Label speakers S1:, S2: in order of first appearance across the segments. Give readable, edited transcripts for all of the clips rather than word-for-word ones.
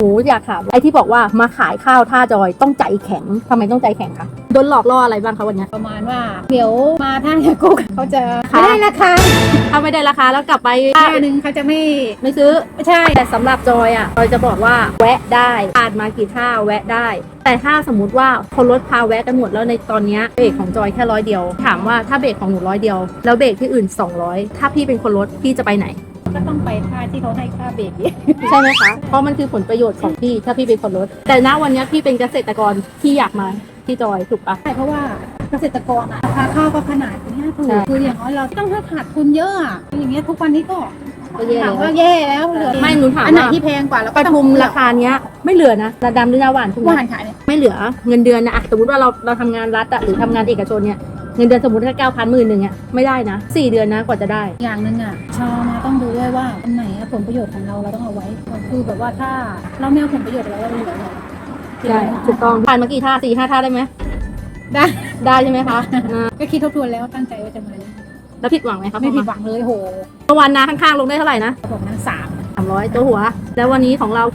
S1: นูอยากถามไอ้ที่บอกว่ามาขายข้าวท่าจอยต้องใจแข็งทำไมต้องใจแข็งคะโดนหลอกล่ออะไรบ้างคะวันนี้
S2: ประมาณว่าเดี๋ยวมาท่ากุ๊กเขาจะไม่ได้ราคา
S1: ถ้าไม่ได้ราคาแล้วกลับไป
S2: ค่าหนึ่งเขาจะไม่
S1: ซื้อ
S2: ใช่
S1: แต่สำหรับจอยอ่ะจอยจะบอกว่าแวะได้ผ่านมากี่ท่าแวะได้ แต่ถ้าสมมติว่าคนรถพาแวะกันหมดแล้วในตอนนี้เบรกของจอยแค่100 เดียวถามว่าถ้าเบรกของหนู100 เดียวแล้วเบรกที่อื่น200ถ้าพี่เป็นคนรถพี่จะไปไหน
S2: ก็ต้องไปท่าที่เขาให้ค่าเบรกอีก
S1: ใช่ไหมคะ เพราะมันคือผลประโยชน์ของพี่ถ้าพี่เป็นคนรถแต่ณวันนี้พี่เป็นเกษตรกรที่อยากมาที่จอยถูกปะ
S2: ใช่เพราะว่าเกษตรกรอะราคาข้าวก็ขนาดนี้ถูก
S1: ใช่
S2: คืออย่างน้อยเราต้องขาดทุนเยอะอะอย่างเงี้ยทุกวันนี้ก็
S1: ก็แย่
S2: ถามว่าแย่แล้วเหลือ
S1: ไม่หนูถาม
S2: อันไหน
S1: ว่า
S2: ที่แพงกว่าแล้ว
S1: ป
S2: ก็ต้อง
S1: ทุมราคาเนี้ยไม่เหลือนะระดำหรือนาหวานทุก
S2: ห
S1: วัน
S2: วานขายเนี่ย
S1: ไม่เหลือเงินเดือนนะอะสมมติว่าเราทำงานรัฐอะหรือทำงานเอกชนเนี่ยเงินเดือนสมมติแค่9,000 10,000อะไม่ได้นะ4 เดือนนะกว่าจะได้
S2: อย่างหนึ่งอะชาวนาต้องดูด้วยว่าอันไหนอะผลประโยชน์ของเราต้องเอาไว้คือแบบว่าถ้าเราไม่เอาผลประโยชน์เราเหลือ
S1: ใช่ถูกต้องผ่านมากี่ท่า4-5 ท่าได้ไหม
S2: ได้
S1: ได้ใช่ไหมคะอ่า
S2: ก็คิดทบทวนแล้วตั้งใจว่าจะมา
S1: แล้วผิดหวังไหมคะ
S2: ไม่ผิดหวังเลยโห
S1: เมื่อวานนาข้างๆลงได้เท่าไหร่นะ
S2: ผมนั้น
S1: 300ตัวหัว แล้ววันนี้ของเรา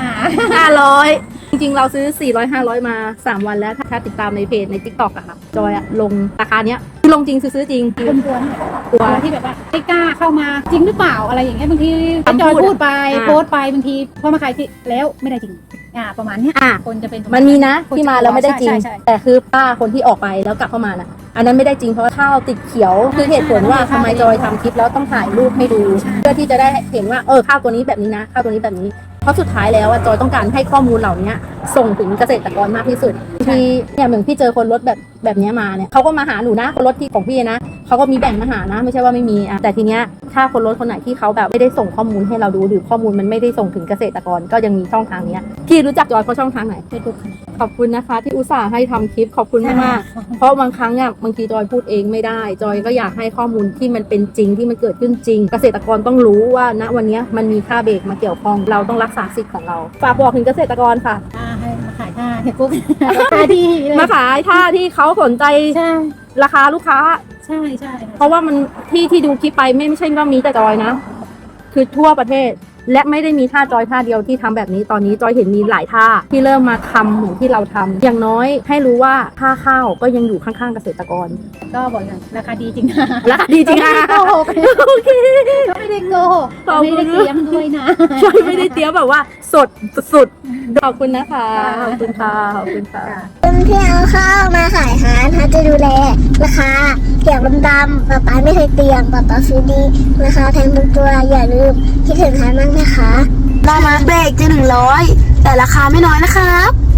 S1: 500 จริงๆเราซื้อ400-500มา3 วันแล้วถ้าติดตามในเพจใน TikTok อะค่ะจอยอะลงราคาเนี้ยคือลงจริงซื้อจริง
S2: คนกลัวเนี่ยกลัวที่แบบว่าไม่กล้าเข้ามาจริงหรือเปล่าอะไรอย่างเงี้ยบางที
S1: คำพูด
S2: จอยพูดไปโพสต์ไปบางทีพอมาขายที่แล้วไม่ได้จริงประมาณเนี้ย
S1: อ่ะ
S2: คนจะเป็น
S1: มันมีนะที่มาแล้วไม่ได้จริง
S2: ใช่
S1: แต่คือป้าคนที่ออกไปแล้วกลับเข้ามาน่ะอันนั้นไม่ได้จริงเพราะว่าข้าวติดเขียวคือเหตุผลว่าทำไมจอยทำคลิปแล้วต้องถ่ายรูปให้ดู เพื่อที่จะได้เห็นว่าข้าวตัวนี้แบบนี้นะข้าวตัวนี้แบบนี้เพราะสุดท้ายแล้วจอยต้องการให้ข้อมูลเหล่านี้ส่งถึงเกษตรกรมากที่สุดทีเนี่ยเหมือนพี่เจอคนรถแบบนี้มาเนี่ยเขาก็มาหาหนูนะคนรถที่ของพี่นะเขาก็มีแบ่งมาหานะไม่ใช่ว่าไม่มีแต่ทีเนี้ยถ้าคนรถคนไหนที่เขาแบบไม่ได้ส่งข้อมูลให้เราดูหรือข้อมูลมันไม่ได้ส่งถึงเกษตรกรก็ยังมีช่องทางเนี้ยพี่รู้จักจอยเพราะช่องทางไหน
S2: เฟซบุ๊ก
S1: ขอบคุณนะคะที่อุตส่าห์ให้ทำคลิปขอบคุณมากๆเพราะบางครั้งอ่ะบางทีจอยพูดเองไม่ได้จอยก็อยากให้ข้อมูลที่มันเป็นจริงที่มันเกิดขึ้นจริง เกษตรกรต้องรู้ว่าณวันนี้มันมีค่าเบรกมาเกี่ยวข้องเราต้องรักษาสิทธิ์ของเราฝากบอกถึงเกษตรกรค่ะ
S2: ให้มาขายท่าเทกุ๊กราคาดีเลย
S1: มาขายท่าที่เขาสนใจ
S2: ใช่
S1: ราคาลูกค้า
S2: ใช่ใช่
S1: เพราะว่ามันที่ดูคลิปไปไม่ใช่ว่ามีแต่จอยนะ คือทั่วประเทศและไม่ได้มีท่าจอยท่าเดียวที่ทำแบบนี้ตอนนี้จอยเห็นมีหลายท่าที่เริ่มมาทำเหมือนที่เราทำอย่างน้อยให้รู้ว่าท่าข้าวก็ยังอยู่ข้างๆเกษตรกร
S2: ก็บอกอย่างราคาดีจริง
S1: ราคาดีจริงค่ะ
S2: โกหก
S1: โอเค
S2: ไม่ได้โกหก
S1: ขอบคุณ
S2: ไม่ได้เตรียมด้วยนะ
S1: จอยไม่ได้เตรียมแบบว่าสดสุดๆขอบคุณนะคะขอบคุณค่ะขอบคุณค่ะ
S3: คนที่เอาข้าวมาขายหาเขาจะดูแลราคาเกี่ยวดำๆป๊าไม่เคยเตรียมป๊าซื้อดีราคาแพงทุกตัวอย่าลืมคิดถึงหามั่งนะคะ
S4: ได้มาเบรกจะ100แต่ราคาไม่น้อยนะครับ